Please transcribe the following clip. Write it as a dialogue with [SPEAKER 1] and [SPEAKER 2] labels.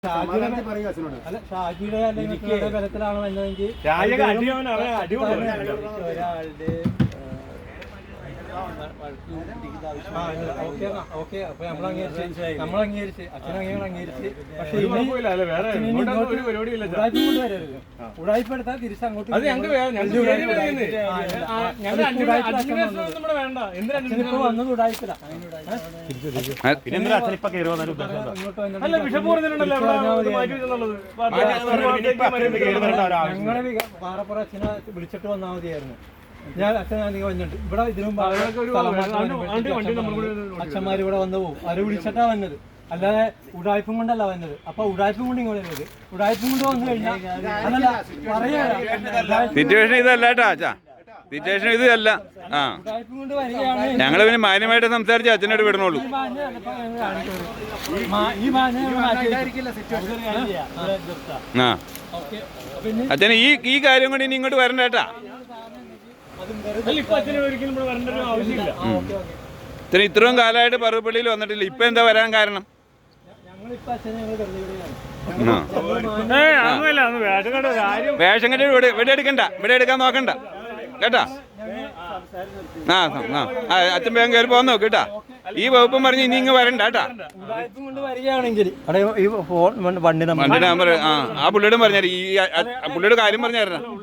[SPEAKER 1] ഷാജിയുടെ അല്ലെങ്കിൽ ബലത്തിലാണ് വന്നതെങ്കിൽ ഒരാളുടെ ഓക്കെ അപ്പൊ നമ്മളംഗീകരിച്ച് അച്ഛനങ്ങൾ അംഗീകരിച്ച്. പക്ഷെ ഉടായ്പെടുത്താൽ തിരിച്ചങ്ങോട്ട് വന്നത് ഉടായ്പല്ല. ഞങ്ങളെ പാറപ്പുറ അച്ഛനെ വിളിച്ചിട്ട് വന്നാൽ മതിയായിരുന്നു. ഞാൻ അച്ഛനാണെങ്കിൽ വന്നിട്ട് ഇവിടെ ഇതിനു അച്ഛന്മാർ ഇവിടെ വന്നു പോകും. അവര് വിളിച്ചിട്ടാ വന്നത്, അല്ലാതെ ഉടായ്പും കൊണ്ടല്ല വന്നത്. അപ്പൊ ഉടായ്പും കൊണ്ട് ഇങ്ങോട്ട് വരുന്നത്, ഉടായ്പും കൊണ്ട് വന്നു കഴിഞ്ഞാൽ അതല്ല പറയാ
[SPEAKER 2] സിറ്റുവേഷൻ ഇതല്ല കേട്ടോ അച്ഛാ, സിറ്റുവേഷൻ ഇതല്ല. ആ ഞങ്ങള് പിന്നെ മാന്യമായിട്ട് സംസാരിച്ച് അച്ഛനോട് വിടണുള്ളൂ. ആ അച്ഛന് ഈ കാര്യം കൊണ്ട് ഇനി ഇങ്ങോട്ട് വരണ്ട കേട്ടാ. ഇത്ര ഇത്രയും കാലമായിട്ട് പറവപ്പള്ളിയിൽ വന്നിട്ടില്ല, ഇപ്പൊ എന്താ വരാൻ കാരണം? വേഷം കെട്ടി ഇവിടെ എടുക്കണ്ട, ഇവിടെ എടുക്കാൻ നോക്കണ്ട കേട്ടാ. ആ അച്ഛൻ വേഗം കയറി പോകാൻ നോക്ക് കേട്ടാ. ഈ വകുപ്പും പറഞ്ഞ് ഇനി ഇങ്ങ് വരണ്ട കേട്ടാ. വണ്ടി നമ്പർ ആ പുള്ളിയോടും പറഞ്ഞാൽ ഈ പുള്ളിയുടെ കാര്യം പറഞ്ഞായിരുന്നു.